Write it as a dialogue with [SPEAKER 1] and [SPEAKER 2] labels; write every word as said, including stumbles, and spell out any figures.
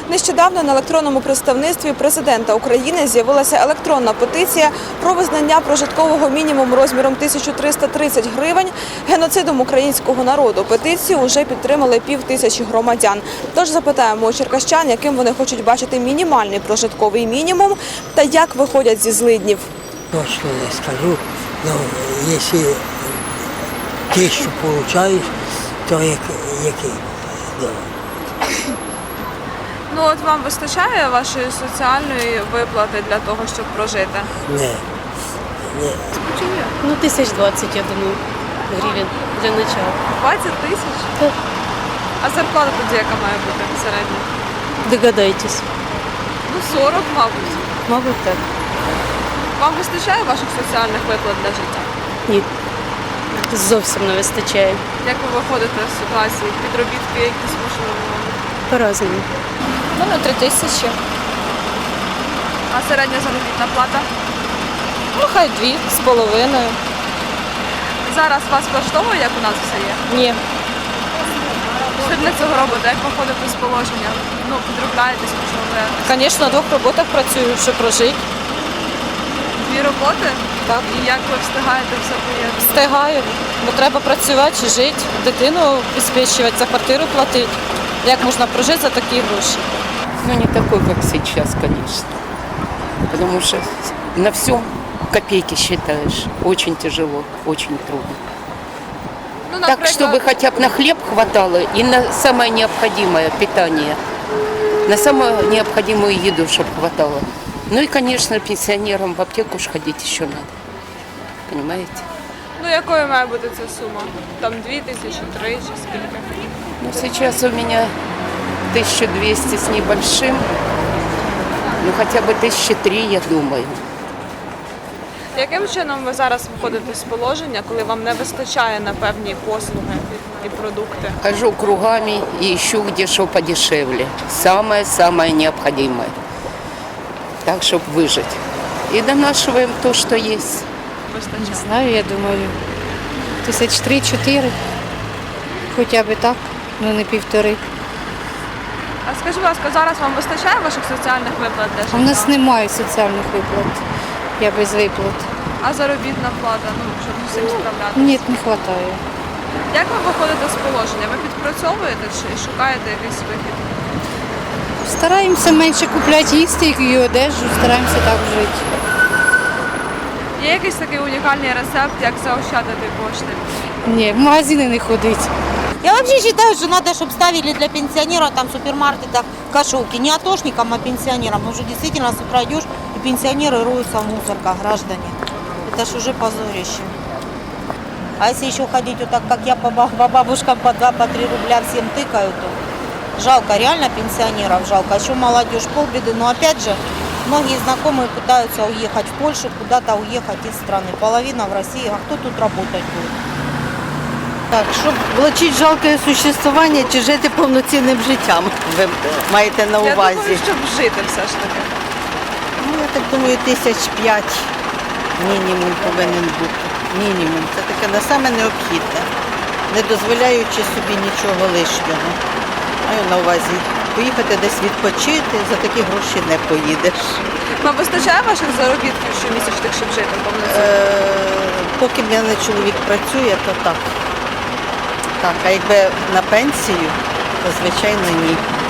[SPEAKER 1] Нещодавно на електронному представництві президента України з'явилася електронна петиція про визнання прожиткового мінімуму розміром тисяча триста тридцять гривень геноцидом українського народу. Петицію вже підтримали пів тисячі громадян. Тож запитаємо у черкащан, яким вони хочуть бачити мінімальний прожитковий мінімум та як виходять зі злиднів.
[SPEAKER 2] Точно не скажу, но якщо тисячу отримуєш, то який?
[SPEAKER 1] Ну от вам вистачає вашої соціальної виплати для того, щоб прожити?
[SPEAKER 2] Ні. Ні.
[SPEAKER 3] Ну, тисяч двадцять, я думаю, гривень для начала.
[SPEAKER 1] двадцять тисяч?
[SPEAKER 3] Так.
[SPEAKER 1] А зарплата тоді яка має бути середня?
[SPEAKER 3] Догадайтесь.
[SPEAKER 1] Ну сорок, мабуть.
[SPEAKER 3] Мабуть, так.
[SPEAKER 1] Вам вистачає ваших соціальних виплат для життя?
[SPEAKER 3] Ні. Зовсім не вистачає.
[SPEAKER 1] Як ви виходите з ситуації? Підробітки якісь можливо?
[SPEAKER 3] По-разному.
[SPEAKER 4] Ну, на три тисячі.
[SPEAKER 1] А середня заробітна плата?
[SPEAKER 4] Ну, хай дві з половиною.
[SPEAKER 1] Зараз вас влаштовує, як у нас все є?
[SPEAKER 4] Ні.
[SPEAKER 1] Що для цього робите? Як виходите з положення? Ну, підробляєтесь, можливо.
[SPEAKER 4] Звісно, на двох роботах працюю, щоб прожити.
[SPEAKER 1] Дві роботи?
[SPEAKER 4] Так.
[SPEAKER 1] І як ви встигаєте все поєднати?
[SPEAKER 4] Встигаю, бо треба працювати, жити, дитину обезпечувати, за квартиру платити. Як можна прожити за такі гроші?
[SPEAKER 5] Ну, не такой, как сейчас, конечно. Потому что на всем копейки считаешь. Очень тяжело, очень трудно.
[SPEAKER 1] Ну,
[SPEAKER 5] Так, чтобы хотя бы на хлеб хватало и на самое необходимое питание. На самую необходимую еду, чтобы хватало. Ну и, конечно, пенсионерам в аптеку ж ходить еще надо. Понимаете?
[SPEAKER 1] Ну, якою має бути ця сума? Там дві тисячі, три чи скільки?
[SPEAKER 5] Ну, сейчас у меня тысяча двести с небольшим. Ну, хотя бы тысяча три, я думаю.
[SPEAKER 1] Яким чином ви зараз виходите з положення, коли вам не вистачає на певні послуги і продукти?
[SPEAKER 5] Хожу кругами и ищу, где что подешевле. Самое-самое необходимое. Так, чтобы выжить. И донашиваем то, что есть.
[SPEAKER 1] Вистачає.
[SPEAKER 6] Знаю, я думаю, тисяч три-чотири, хоча б так, ну не півтори.
[SPEAKER 1] А скажіть, будь ласка, зараз вам вистачає ваших соціальних виплат для життя?
[SPEAKER 6] У нас немає соціальних виплат, я без виплат.
[SPEAKER 1] А заробітна плата, ну, щоб з цим справлятися?
[SPEAKER 6] Ні, не вистачає.
[SPEAKER 1] Як ви виходите з положення? Ви підпрацьовуєте чи шукаєте якийсь вихід?
[SPEAKER 6] Стараємося менше купляти їсти і одежу, стараємося так жити.
[SPEAKER 1] Є якийсь такий унікальний рецепт, як заощадити кошти?
[SPEAKER 6] Ні, в магазини не ходить.
[SPEAKER 7] Я вообще считаю, что надо, чтобы ставили для пенсионеров там в супермаркетах кошелки. Не атошникам, а пенсионерам. Потому что действительно с утра идешь, и пенсионеры роются в мусорках, граждане. Это ж уже позорище. А если еще ходить вот так, как я, по баб- по бабушкам по два, по три рубля всем тыкаю, то жалко, реально пенсионеров жалко. Еще молодежь полбеды. Но опять же, многие знакомые пытаются уехать в Польшу, куда-то уехать из страны. Половина в России. А кто тут работать будет?
[SPEAKER 8] Так, щоб влачити жалке существування чи жити повноцінним життям, ви маєте на
[SPEAKER 1] Я
[SPEAKER 8] увазі.
[SPEAKER 1] думаю, щоб жити все ж таки.
[SPEAKER 8] Ну, я так думаю, тисяч п'ять мінімум повинен бути. Мінімум. Це таке на саме необхідне, не дозволяючи собі нічого лишнього. Маю на увазі поїхати десь відпочити, за такі гроші не поїдеш.
[SPEAKER 1] Вам вистачає ваших заробітків щомісячних, щоб жити повноцінно?
[SPEAKER 8] Е, поки в мене чоловік працює, то так. Так, а якби на пенсію, то звичайно ні.